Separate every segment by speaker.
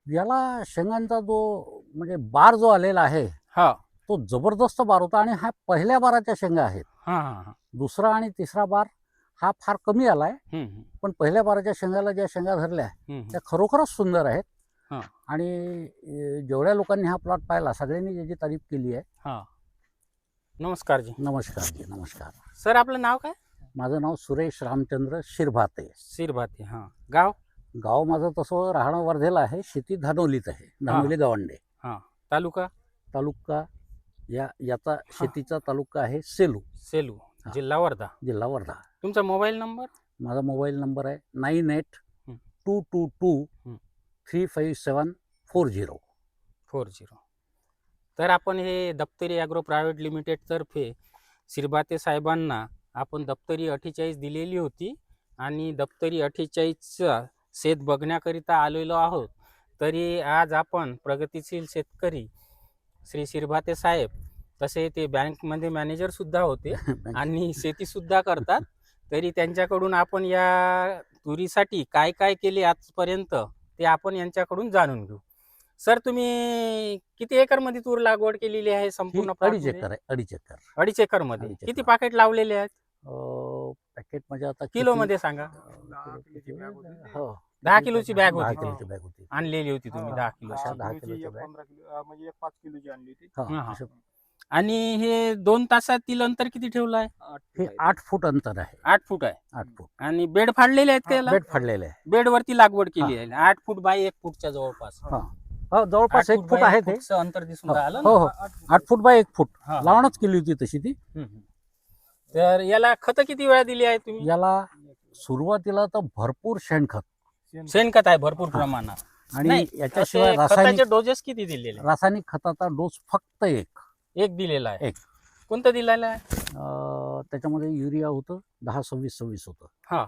Speaker 1: याला शेंगांचा जो म्हणजे बार जो आलेला आहे
Speaker 2: हा
Speaker 1: तो जबरदस्त बार होता आणि हा पहिल्या बाराच्या शेंगा आहेत.
Speaker 2: हा हा
Speaker 1: दुसरा आणि तिसरा बार हा फार कमी आलाय,
Speaker 2: हम्म,
Speaker 1: पण पहिल्या बाराच्या शेंगाला ज्या शेंगा धरल्या
Speaker 2: हम्म,
Speaker 1: त्या खरोखरच सुंदर आहेत.
Speaker 2: हा
Speaker 1: आणि जेवढ्या लोकांनी हा प्लॉट पाहिला सगळ्यांनी याची तारीफ केली आहे.
Speaker 2: हा. नमस्कार जी.
Speaker 1: नमस्कार जी, नमस्कार.
Speaker 2: सर आपलं नाव काय?
Speaker 1: माझं नाव सुरेश रामचंद्र शिरभाते.
Speaker 2: शिरभाते. हा. गाव?
Speaker 1: गाव माझं तसं राहणं वर्धेला आहे, शेती धानोलीत आहे, धानोली गावंडे.
Speaker 2: हा. तालुका?
Speaker 1: तालुका याचा शेतीचा तालुका आहे सेलू,
Speaker 2: सेलू,
Speaker 1: हा.
Speaker 2: जिल्हा वर्धा.
Speaker 1: जिल्हा वर्धा.
Speaker 2: तुमचा मोबाईल नंबर?
Speaker 1: माझा मोबाईल नंबर आहे
Speaker 2: हं.
Speaker 1: 9822235740.
Speaker 2: 40. तर आपण हे दप्तरी ॲग्रो प्रायव्हेट लिमिटेड तर्फे शिरभाते साहेबांना आपण दप्तरी 48 दिलेली होती आणि दप्तरी 48चा शेत बघण्याकरिता आलेलो आहोत. तरी आज आपण प्रगतिशील शेतकरी श्री शिरभाते साहेब, तसे ते बँकमध्ये मॅनेजरसुद्धा होते आणि शेतीसुद्धा करतात. तरी त्यांच्याकडून आपण या तुरीसाठी काय काय केले आजपर्यंत ते आपण यांच्याकडून जाणून घेऊ. सर तुम्ही किती एकरमध्ये तूर लागवड केलेली आहे
Speaker 1: ही
Speaker 2: संपूर्ण
Speaker 1: 2.5 एकर आहे, 2.5 एकर.
Speaker 2: 2.5 एकरमध्ये
Speaker 1: 2.5
Speaker 2: किती
Speaker 1: एकर.
Speaker 2: पाकेट लावलेले आहेत?
Speaker 1: पॅकेट म्हणजे आता
Speaker 2: किलोमध्ये सांगा.
Speaker 1: हो,
Speaker 2: 10 किलोची बॅग
Speaker 1: 10
Speaker 2: होती
Speaker 1: किलोची बॅग होती.
Speaker 2: आणलेली होती तुम्ही 10 किलोची.
Speaker 1: अशा 10 किलोची बॅग.
Speaker 3: 15 किलो म्हणजे एक 5 किलोची आणली होती.
Speaker 1: हा,
Speaker 2: हा, हा.
Speaker 1: असं.
Speaker 2: आणि हे 2 तासातील अंतर किती ठेवलं आहे?
Speaker 1: हे 8 फूट अंतर आहे.
Speaker 2: 8 फूट आहे.
Speaker 1: 8 फूट.
Speaker 2: आणि बेड फाडलेले आहेत का याला?
Speaker 1: बेड फाडलेले आहे.
Speaker 2: बेडवरती लागवड केली आहे. 8 फूट बाय 1 फूटच्या जवळपास.
Speaker 1: हा. हो, जवळपास 1 फूट
Speaker 2: बाय
Speaker 1: आहे
Speaker 2: एक
Speaker 1: ते.
Speaker 2: फूटचं अंतर दिसून
Speaker 1: हो,
Speaker 2: राहिलं
Speaker 1: हो,
Speaker 2: ना?
Speaker 1: हो. 8 फूट बाय 1 फूट
Speaker 2: हा, हा.
Speaker 1: लावणच केली होती तशी ती.
Speaker 2: तर याला खत किती वेळा दिली आहे तुम्ही?
Speaker 1: याला सुरुवातीला तर भरपूर शेणखत
Speaker 2: शेणखत आहे भरपूर प्रमाणात.
Speaker 1: आणि
Speaker 2: नाही,
Speaker 1: याच्याशिवाय
Speaker 2: असे
Speaker 1: रासायनिक
Speaker 2: खताचे डोजेस किती दिलेले?
Speaker 1: रासायनिक खताचा डोस फक्त
Speaker 2: एक दिलेला आहे.
Speaker 1: एक.
Speaker 2: कोणतं दिलेलं आहे?
Speaker 1: त्याच्यामध्ये युरिया होतं 10-26-26 होतं.
Speaker 2: हा,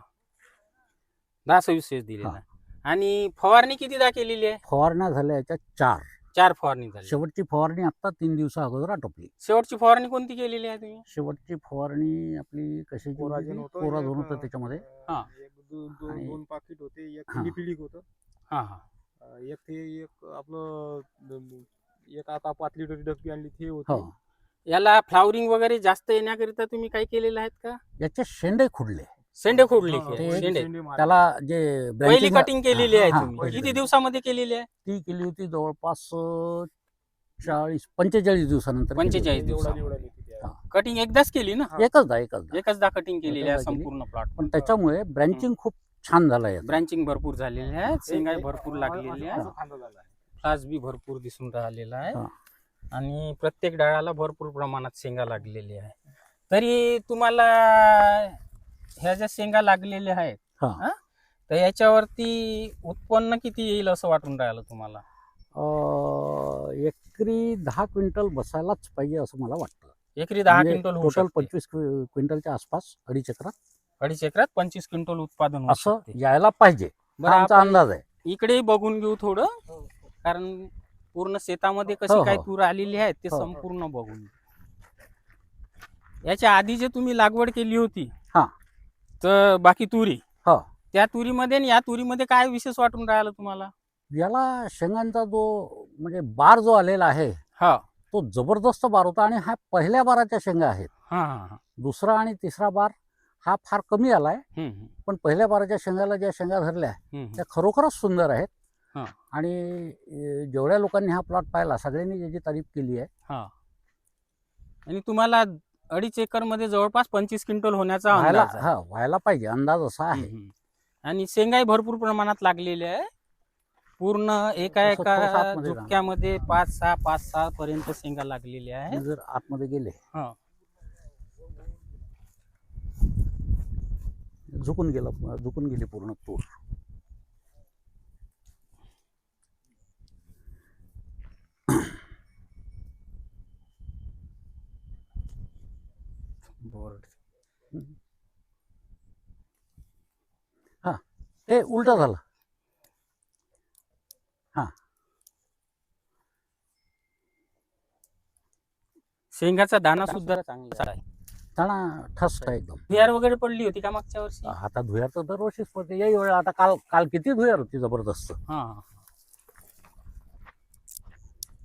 Speaker 2: 10-26 दिलेला
Speaker 1: हा.
Speaker 2: आहे. आणि फवारणी कितीदा केलेली आहे?
Speaker 1: फवारण्या झाल्या याच्या 4.
Speaker 2: 4 फवारणी झाली.
Speaker 1: शेवटची फवारणी आता 3 दिवसा अगोदर आटोपली.
Speaker 2: शेवटची फवारणी कोणती केलेली आहे तुम्ही?
Speaker 1: शेवटची फवारणी आपली कशाची
Speaker 3: कोराजेन होतं,
Speaker 1: कोराझोन
Speaker 3: एक,
Speaker 1: होतं त्याच्यामध्ये.
Speaker 2: हा.
Speaker 3: एक
Speaker 1: आणि-
Speaker 3: 2 पाकिट होते, एक
Speaker 1: हा.
Speaker 3: लिपिलिक होतं.
Speaker 2: हा हा
Speaker 3: एक ते एक आपलं एक आता 5 लिटरची डबकी आणली ते
Speaker 1: हो,
Speaker 3: होती.
Speaker 2: याला फ्लावरिंग वगैरे जास्त येण्याकरिता तुम्ही काय केलेलं आहेत का?
Speaker 1: याचे शेंडे खुडले.
Speaker 2: शेंडे खोडले
Speaker 3: हा,
Speaker 1: ते-
Speaker 2: शेंडे.
Speaker 3: शेंडे मारले.
Speaker 1: त्याला जे
Speaker 2: पहिली
Speaker 1: branching-
Speaker 2: कटिंग केलेली आहे
Speaker 1: हा,
Speaker 2: तुम्ही
Speaker 1: पहिली
Speaker 2: किती
Speaker 1: cutting.
Speaker 2: दिवसामध्ये केलेली आहे?
Speaker 1: ती केली होती जवळपास 45 दिवसानंतर केली
Speaker 2: 45
Speaker 1: होती.
Speaker 2: दिवसामध्ये.
Speaker 3: एवढा लिहिते ते.
Speaker 1: हा.
Speaker 2: कटिंग एकदाच केली ना?
Speaker 1: एकचदा
Speaker 2: एकचदा कटिंग केलेली आहे
Speaker 1: एकचदा केली.
Speaker 2: संपूर्ण प्लॉट.
Speaker 1: पण त्याच्यामुळे ब्रँचिंग खूप छान झालं आहे.
Speaker 2: ब्रांचिंग भरपूर झालेली आहे, शेंगा
Speaker 3: एक-
Speaker 2: भरपूर
Speaker 3: एक-
Speaker 2: लागलेली आहे,
Speaker 3: असं फांदा झाला आहे.
Speaker 2: फ्लास बी भरपूर दिसून राहिलेला आहे
Speaker 1: हा.
Speaker 2: आणि प्रत्येक डाळाला भरपूर प्रमाणात शेंगा लागलेली आहे. तरी तुम्हाला ह्या ज्या शेंगा लागलेल्या आहेत
Speaker 1: हा.
Speaker 2: हा, तर याच्यावरती उत्पन्न किती येईल असं वाटून राहिलं तुम्हाला?
Speaker 1: एकरी 10 क्विंटल बसायलाच पाहिजे असं मला वाटतं.
Speaker 2: एकरी 10
Speaker 1: म्हणजे
Speaker 2: क्विंटल होऊ
Speaker 1: टोटल
Speaker 2: शकते.
Speaker 1: 25 क्विंटलच्या आसपास 2.5 एकरात
Speaker 2: 2.5 एकरात 25 क्विंटल उत्पादन होऊ
Speaker 1: असं
Speaker 2: शकते.
Speaker 1: यायला पाहिजे,
Speaker 2: बरं,
Speaker 1: हा आमचा
Speaker 2: आपण
Speaker 1: अंदाज आहे.
Speaker 2: इकडेही बघून घेऊ थोडं, कारण पूर्ण शेतामध्ये कशी
Speaker 1: हो,
Speaker 2: काय
Speaker 1: हो.
Speaker 2: तूर आलेली आहे ते
Speaker 1: हो.
Speaker 2: संपूर्ण बघून घेऊ. याच्या आधी जे तुम्ही लागवड केली होती
Speaker 1: हा.
Speaker 2: तर बाकी तुरी,
Speaker 1: हो.
Speaker 2: त्या तुरीमध्ये आणि या तुरीमध्ये काय विशेष वाटून राहिलं तुम्हाला?
Speaker 1: याला शेंगांचा जो म्हणजे बार जो आलेला आहे
Speaker 2: हा
Speaker 1: तो जबरदस्त बार होता आणि हा पहिल्या बाराच्या शेंगा आहेत.
Speaker 2: हा हा
Speaker 1: दुसरा आणि तिसरा बार हा फार कमी आलाय,
Speaker 2: हम्म,
Speaker 1: पण पहिल्या बाराच्या शेंगाला ज्या शेंगा धरल्या
Speaker 2: हम्म.
Speaker 1: त्या खरोखरच सुंदर आहेत.
Speaker 2: हा.
Speaker 1: आणि जेवढ्या लोकांनी हा प्लॉट पाहिला सगळ्यांनी याची तारीफ केली आहे.
Speaker 2: हा. आणि तुम्हाला 2.5 एकर मध्ये जवळपास 25 क्विंटल होण्याचा
Speaker 1: व्हायला
Speaker 2: अंदाज आहे.
Speaker 1: व्हायला पाहिजे, अंदाज असा आहे.
Speaker 2: हम्म. आणि शेंगाही भरपूर प्रमाणात लागलेली आहे. पूर्ण एका
Speaker 1: असं थोडंसं
Speaker 2: एका
Speaker 1: आतमध्ये जा.
Speaker 2: झुपक्यामध्ये 5-6 पर्यंत शेंगा लागलेल्या आहेत.
Speaker 1: जर आतमध्ये गेले
Speaker 2: हा.
Speaker 1: झुकून गेली पूर्ण तूर.
Speaker 2: बोर्ड.
Speaker 1: हे उलट झालं.
Speaker 2: शेंगाचा दाना सुद्धा चांगला आहे.
Speaker 1: दाणा ठसत आहे एकदम.
Speaker 2: धुयार वगैरे पडली होती का मागच्या वर्षी?
Speaker 1: आता धुयार तर दरवर्षीच पडते. याही वेळा आता काल काल किती धुयार होती जबरदस्त.
Speaker 2: हा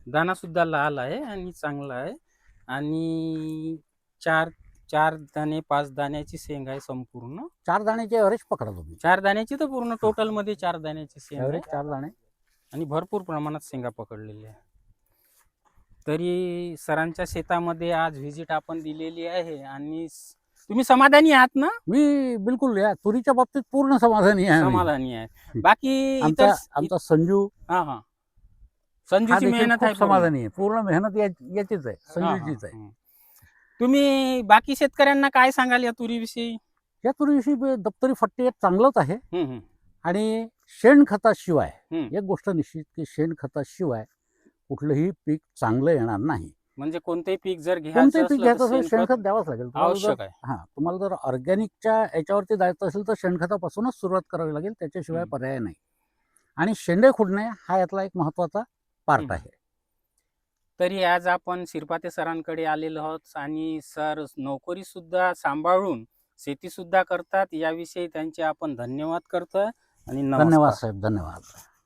Speaker 2: दाना सुद्धा लाल आहे आणि चांगला आहे. आणि चार 4 दाणे 5 दाण्याची शेंग आहे संपूर्ण.
Speaker 1: 4 दाण्याचे ॲव्हरेज पकडा तुम्ही.
Speaker 2: 4 दाण्याची तर पूर्ण टोटल मध्ये 4 दाण्याची शेंग आहे
Speaker 1: ॲव्हरेज 4 दाणे.
Speaker 2: आणि भरपूर प्रमाणात शेंगा पकडलेल्या आहे. तरी सरांच्या शेतामध्ये आज व्हिजिट आपण दिलेली आहे आणि तुम्ही समाधानी आहात ना?
Speaker 1: मी बिलकुल या तुरीच्या बाबतीत पूर्ण समाधानी आहे.
Speaker 2: समाधानी आहे. बाकी
Speaker 1: आमचा संजू
Speaker 2: हा
Speaker 1: हा
Speaker 2: संजूची
Speaker 1: देखील
Speaker 2: मेहनत
Speaker 1: खूप
Speaker 2: आहे पूर्ण.
Speaker 1: समाधानी आहे. पूर्ण मेहनत याचीच आहे,
Speaker 2: हा,
Speaker 1: संजूचीच आहे.
Speaker 2: हा. तुम्ही बाकी शेतकऱ्यांना काय सांगाल या तुरीविषयी?
Speaker 1: या तुरीविषयी दप्तरी 48 चांगलंच आहे.
Speaker 2: हम्म,
Speaker 1: आणि शेणखताशिवाय
Speaker 2: हम्म.
Speaker 1: एक गोष्ट निश्चित की शेणखताशिवाय कुठलंही पीक चांगलं येणार नाही.
Speaker 2: म्हणजे कोणतेही पीक जर
Speaker 1: कोणतेही पीक घ्यायचं
Speaker 2: असलं
Speaker 1: असेल
Speaker 2: तर
Speaker 1: शेणखत द्यावंच लागेल. तुम्हाला
Speaker 2: आवश्यक आहे.
Speaker 1: तुम्हाला जर ऑर्गॅनिकच्या याच्यावरती जायचं असेल तर शेणखतापासूनच सुरुवात करावी लागेल, त्याच्याशिवाय
Speaker 2: हम्म.
Speaker 1: पर्याय नाही. आणि शेंडे खुडणे हा यातला एक महत्वाचा पार्ट
Speaker 2: हम्म.
Speaker 1: आहे.
Speaker 2: तरी आज आपण शिरपाते सरांकडे आलेलो आहोत आणि सर नोकरी सुद्धा सांभाळून शेती सुद्धा करतात. याविषयी त्यांचे आपण धन्यवाद करतोय आणि
Speaker 1: धन्यवाद
Speaker 2: नमस्कार.
Speaker 1: साहेब, धन्यवाद.